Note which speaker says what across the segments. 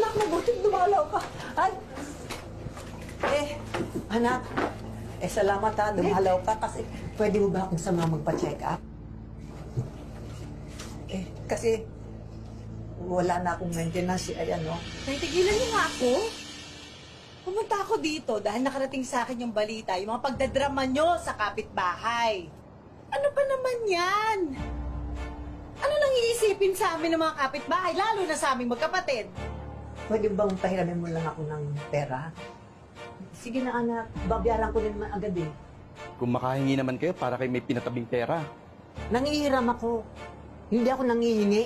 Speaker 1: Anak, mabuting dumalaw ka. Ay! Anak, salamat ha, dumalaw ka kasi pwede mo ba akong sama magpa-check up? Kasi wala na akong maintenance, ayan o.
Speaker 2: Tigilan niyo nga ako. Pumunta ako dito dahil nakarating sa akin yung balita, yung mga pagdadrama nyo sa kapitbahay. Ano ba naman yan? Ano nang iisipin sa amin ng mga kapitbahay, lalo na sa aming magkapatid?
Speaker 1: Pwede bang pahiramin mo lang ako ng pera? Sige na anak, babayaran ko din naman agad eh.
Speaker 3: Kung makahingi naman kayo para kayo may pinatabing pera.
Speaker 1: Nangihiram ako. Hindi ako nangihingi.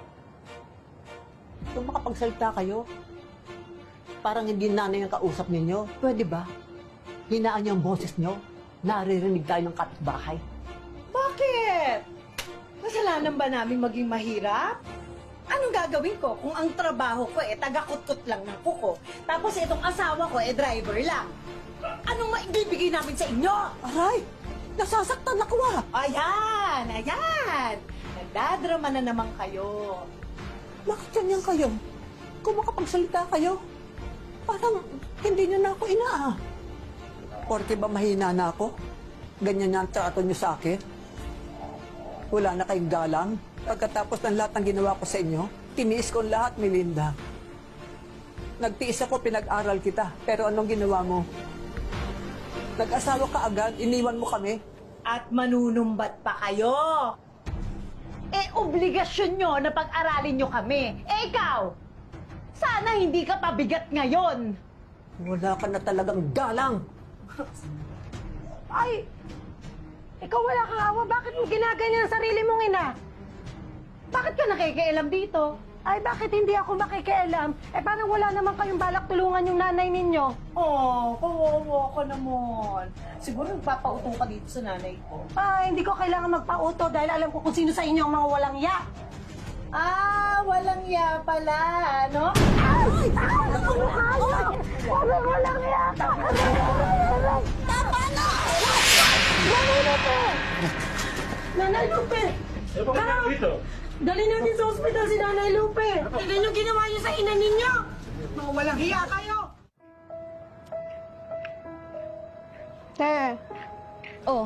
Speaker 1: Kung makapagsalita kayo, parang hindi nanay ang kausap ninyo. Pwede ba? Hinaan niyo ang boses niyo. Naririnig tayo ng kapitbahay.
Speaker 2: Bakit? Kasalanan ba namin maging mahirap? Anong gagawin ko kung ang trabaho ko taga-kutkot lang ng kuko, tapos itong asawa ko driver lang? Anong maibibigay namin sa inyo?
Speaker 1: Aray! Nasasaktan ako ah!
Speaker 2: Ayan! Ayan! Nagdadrama na naman kayo.
Speaker 1: Bakit ganyan kayo? Kung makapagsalita kayo, parang hindi niyo na ako inaa. Porke ba mahina na ako? Ganyan na ang trato niyo sa akin? Wala na kayong galang? Pagkatapos ng lahat ng ginawa ko sa inyo, tiniis ko lahat, Melinda. Nagtiis ako, pinag-aral kita. Pero anong ginawa mo? Nag-asawa ka agad, iniwan mo kami.
Speaker 2: At manunumbat pa kayo. Obligasyon nyo na pag-aralin nyo kami. Ikaw, sana hindi ka pabigat ngayon.
Speaker 1: Wala ka na talagang galang.
Speaker 4: Ay! Ikaw wala kang awa. Bakit mo ginaganyan ang sarili mong ina?
Speaker 2: Bakit ka nakikialam dito?
Speaker 4: Ay, bakit hindi ako makikialam? Parang wala naman kayong balak tulungan yung nanay ninyo.
Speaker 2: Oh, kawawa ka naman. Siguro nagpapauto ka dito sa nanay ko.
Speaker 4: Ay, hindi ko kailangan magpauto dahil alam ko kung sino sa inyo ang mga walang ya.
Speaker 2: Ah, walang ya pala, ano?
Speaker 4: Ay! Ay! Ako mukha nyo! Sabi walang ya ka! Tama na! Nanay Lupe! Nanay Lupe!
Speaker 5: dito?
Speaker 4: Dali natin sa ospital si Nanay Lupe! Tignan yung ginawa niyo sa ina ninyo!
Speaker 2: Mga walang hiya kayo!
Speaker 4: Te,
Speaker 6: Oh.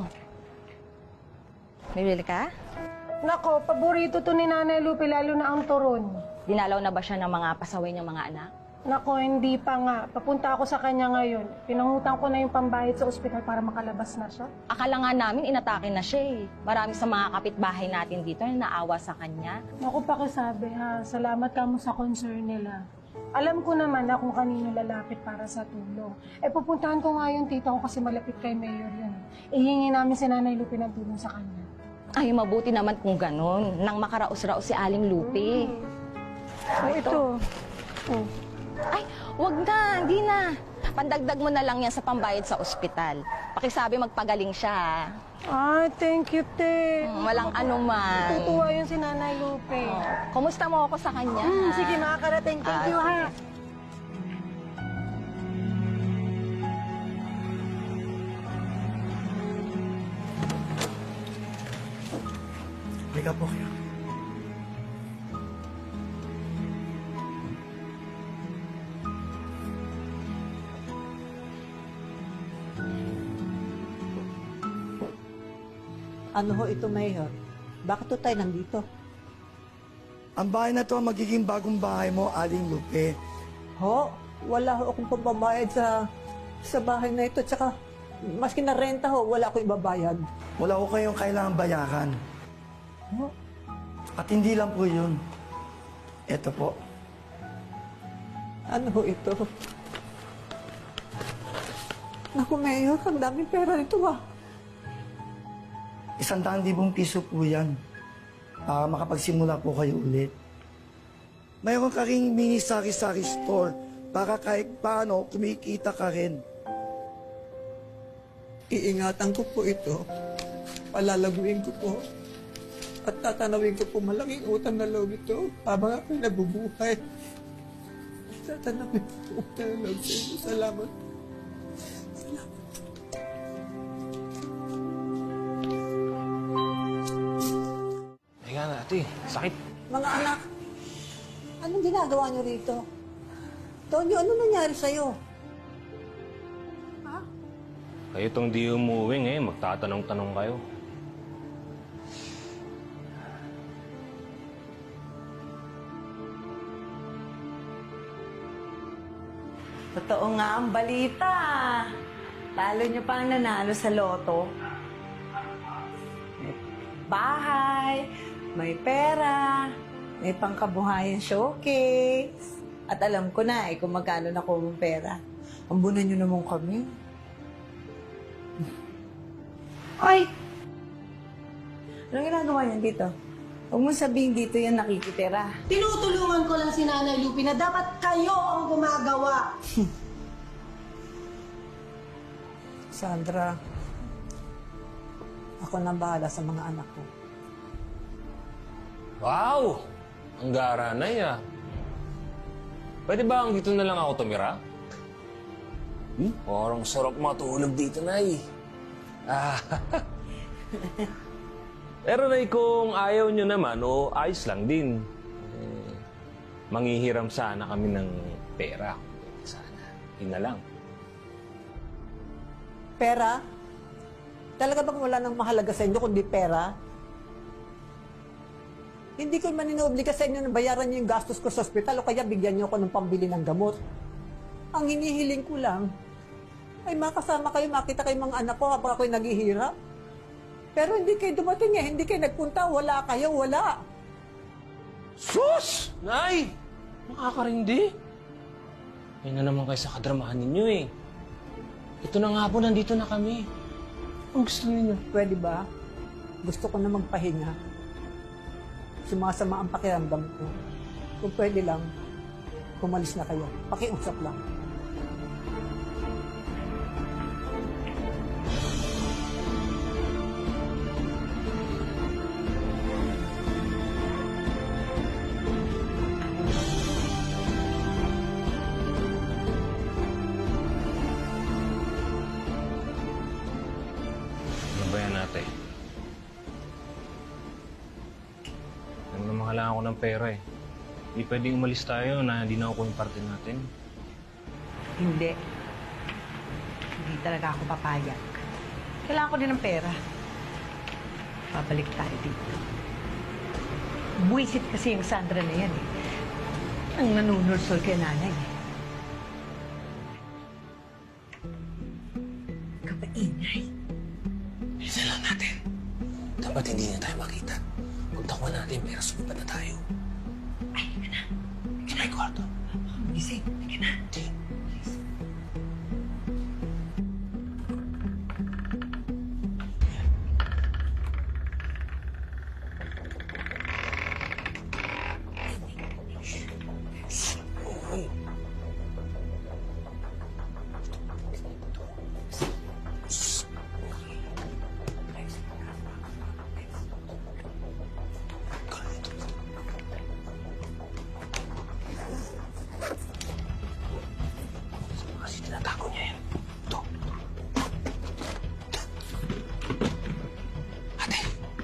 Speaker 6: Bibili ka?
Speaker 4: nako, paborito to ni Nanay Lupe, lalo na ang turon.
Speaker 6: Dinalaw na ba siya ng mga pasaway niyang mga anak?
Speaker 4: Nako, hindi pa nga. Papunta ako sa kanya ngayon. Pinangutang ko na yung pambayad sa ospital para makalabas na siya.
Speaker 6: Akala nga namin inatake na siya eh. Marami sa mga kapitbahay natin dito na naawa sa kanya.
Speaker 4: Naku, pakisabi ha. Salamat ka mo sa concern nila. Alam ko naman na kung kanino lalapit para sa tulong. Pupuntahan ko nga yung tita ko kasi malapit kay Mayor yun. Ihingi namin si Nanay Lupe ng tulong sa kanya.
Speaker 6: Ay, mabuti naman kung ganun. Nang makaraos-raos si Aling Lupe.
Speaker 4: Ito. Oh.
Speaker 6: Ay, wag na, hindi na. Pandagdag mo na lang yan sa pambayad sa ospital. Pakisabi magpagaling siya.
Speaker 4: Ah, thank you, te.
Speaker 6: Walang anuman.
Speaker 4: Tutuwa yun si Nanay Lupe.
Speaker 6: Kumusta mo ako sa kanya?
Speaker 4: Sige, makakarating. Thank you, ha.
Speaker 5: Halika po kayo.
Speaker 1: Ano ho ito, Mayor? Bakit to tayo nandito?
Speaker 5: Ang bahay na to ang magiging bagong bahay mo, Aling Lupe.
Speaker 1: Ho, wala ho akong pambabayad sa bahay na ito. Tsaka, maski na renta ho, wala akong ibabayad.
Speaker 5: Wala ko kayong kailangang bayaran.
Speaker 1: Ho?
Speaker 5: At hindi lang po yun. Ito po.
Speaker 1: Ano ho ito? Naku, Mayor, ang daming pera nito ah.
Speaker 5: 100,000 piso po yan. Para makapagsimula po kayo ulit. Mayroon ka ring mini sari-sari store para kahit paano kumikita ka rin.
Speaker 1: Iingatan ko po ito. Palalaguin ko po. At tatanawin ko po malaking utang na loob ito habang ako'y nabubuhay. Tatanawin ko po utang na loob sa inyo. Salamat.
Speaker 7: Teka na, ate. Sakit.
Speaker 1: Mga anak, anong ginagawa niyo rito? Tonyo, ano nangyari sa'yo? Ha?
Speaker 7: Kayo tong di umuwi ngayon, magtatanong-tanong kayo.
Speaker 2: Totoo nga ang balita. Lalo niyo pang nanalo sa loto. May bahay, may pera, may pangkabuhayan showcase. At alam ko na kung magkano na kung pera. Ambunan niyo naman kami. Ay! Anong ginagawa niyan dito? Huwag mo sabihin dito yan nakikitira.
Speaker 4: Tinutulungan ko lang si Nanay Lupi na dapat kayo ang gumagawa.
Speaker 1: Sandra, ako na bahala sa mga anak ko.
Speaker 7: Wow! Ang gara na ya. Pwede ba ang dito na lang ako tumira? Parang sarap matulog dito, Nay. Ah. Pero Nay, kung ayaw nyo naman, o ayos lang din. Manghihiram sana kami ng pera. Sana. Yun na lang.
Speaker 1: Pera? Talaga bang wala nang mahalaga sa inyo kundi pera? Hindi ko man inuobliga sa inyo na bayaran niyo yung gastos ko sa ospital o kaya bigyan niyo ako ng pambili ng gamot. Ang hinihiling ko lang ay makasama kayo, makita kayo mga anak ko habang ako'y naghihirap. Pero hindi kayo dumating hindi kayo nagpunta, wala kayo, wala.
Speaker 7: Sus! Nay! Makakarindi. Yan na naman kayo sa kadramahan ninyo eh. Ito na nga po, nandito na kami. Ang gusto ninyo.
Speaker 1: Pwede ba? Gusto ko na magpahinga. Sumasama ang pakiramdam ko. Kung pwede lang, kumalis na kayo. Pakiusap lang.
Speaker 7: Ano ba yan natin? Alam naman kailangan ko ng pera eh. Hindi pwedeng umalis tayo na hindi na ako yung parte natin.
Speaker 2: Hindi. Hindi talaga ako papayag. Kailangan ko din ng pera. Babalik tayo dito. Buwisit kasi yung Sandra na yan eh. Ang nanunursol kay nanay eh. Kapaingay.
Speaker 7: Bilisan lang natin. Dapat hindi na tayo makita. Pagtakwa natin, pero sumipad na tayo. Ay, hindi na. Hindi na yung kwarto.
Speaker 2: Gising.
Speaker 7: Hindi na. Hindi. Kasi tinatago niya yan. Ito. Ate.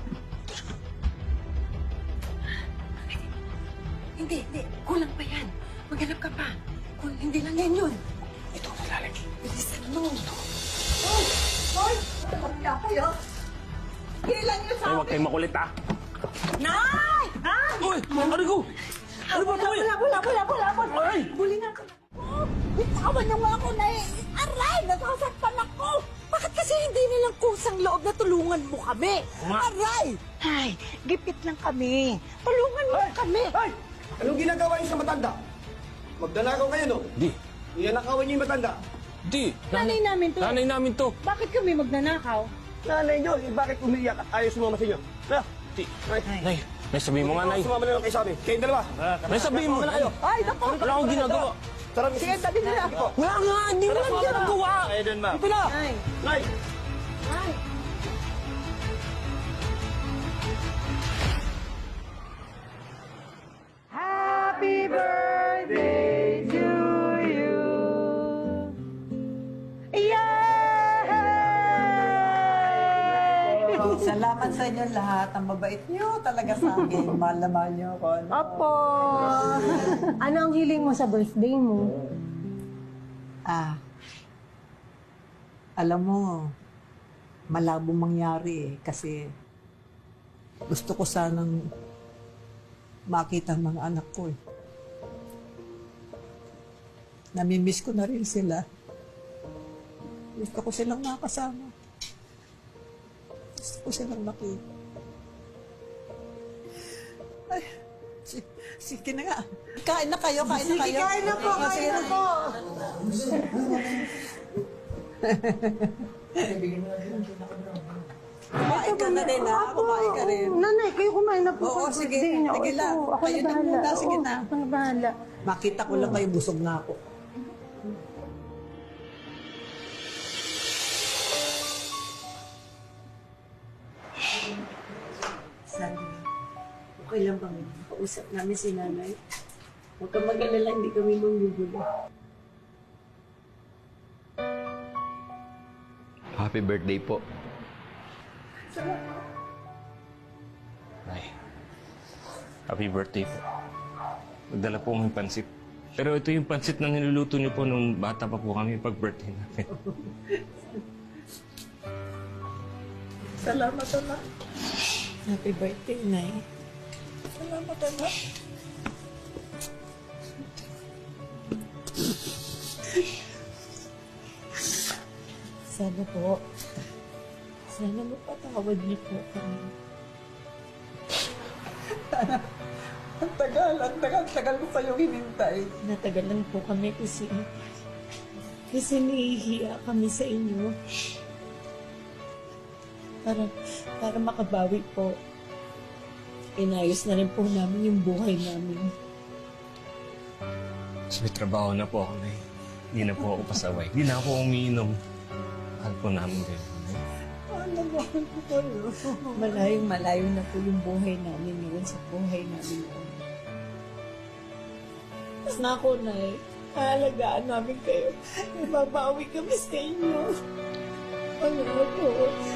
Speaker 2: Hindi. Kulang pa yan. Maghanap ka pa. Hindi lang yan yun.
Speaker 7: Ito, sa lalim.
Speaker 2: Bilisan mo.
Speaker 1: Hoy! Kapila kayo! Kailan niyo sa
Speaker 7: Ay, huwag kayong makulit ah.
Speaker 2: Nay! Nay!
Speaker 7: Uy! Ano ko? Ano ba ito eh?
Speaker 2: Wala.
Speaker 7: Ay!
Speaker 2: Bulingan ka.
Speaker 1: Bitawan niyo nga ako na Aray! Nasasaktan ako!
Speaker 2: Bakit kasi hindi nilang kusang loob na tulungan mo kami?
Speaker 7: Nga.
Speaker 1: Aray!
Speaker 2: Ay, gipit lang kami. Tulungan mo kami.
Speaker 5: Ay! Anong ginagawa niyo sa matanda? Magdalagaw kayo, no?
Speaker 7: Di.
Speaker 5: Iyanakawan niyo yung matanda.
Speaker 7: Di.
Speaker 4: Nanay namin to.
Speaker 7: Nanay namin to.
Speaker 4: Bakit kami magnanakaw?
Speaker 5: Nanay niyo, bakit umiiyak at ayaw sumama sa inyo? Na,
Speaker 7: Di. Nay, nay, sabihin mo nga, nay.
Speaker 5: Sumama na lang kayo sa amin. Kayong dalawa.
Speaker 7: Nay, sabihin mo.
Speaker 5: Sumama na kayo.
Speaker 1: Ay, naku!
Speaker 7: Wala akong ginagawa.
Speaker 5: Tara,
Speaker 1: Sige, dali na!
Speaker 7: Wala nga, hindi mo lang ginagawa.
Speaker 5: Kayo dun, ma'am.
Speaker 7: Ito na.
Speaker 4: Nay.
Speaker 5: Nay!
Speaker 1: Salamat sa inyo lahat. Ang mabait niyo talaga sa akin. Mahal na mahal niyo ako.
Speaker 4: Opo. Ano ang hiling mo sa birthday mo?
Speaker 1: Alam mo, malabo mangyari kasi gusto ko sanang makita ang mga anak ko. Namimiss ko na rin sila. Gusto ko silang makasama. Gusto ko silang makita. Ay, sige na nga. Kain na kayo, kain na kayo.
Speaker 2: Sige, kain na po, kain na po.
Speaker 1: Kumain ka na rin, ha? Kumain ka rin.
Speaker 4: Nanay, kayo kumain na po.
Speaker 1: Oo,
Speaker 4: sa
Speaker 1: sige.
Speaker 4: birthday niyo.
Speaker 1: Sige lang.
Speaker 4: Ako
Speaker 1: Kayo
Speaker 4: na
Speaker 1: na
Speaker 4: bahala.
Speaker 1: muna. Sige
Speaker 4: Oo,
Speaker 1: na.
Speaker 4: ako na bahala.
Speaker 1: Makita ko lang kayo, busog na ako.
Speaker 8: Sabi, okay lang bang kausap namin si nanay? Huwag kang mag-alala, hindi kami manggugulo.
Speaker 3: Happy birthday po.
Speaker 7: Nay, happy birthday po. Nagdala po kami pansit. Pero ito yung pansit na niluluto niyo po nung bata pa po kami pag-birthday namin.
Speaker 8: Salamat, anak. Happy birthday, Nay.
Speaker 1: Salamat, anak.
Speaker 8: Sana po. Sana mapatawad niyo po kami.
Speaker 1: Ang tagal ko kayong hinintay.
Speaker 8: Natagalan po kami kasi nahihiya kami sa inyo. Para makabawi po. Inayos na rin po namin yung buhay namin.
Speaker 7: So, may trabaho na po ako, Nay. Hindi na po ako pasaway. Hindi na ako umiinom. Mahal po namin kayo, Nay.
Speaker 1: Ano ba ko kayo?
Speaker 8: Malayong-malayo na po yung buhay namin ngayon sa buhay namin ngayon. Mas na ako, Nay. Aalagaan namin kayo. Babawi kami sa inyo. Ano po?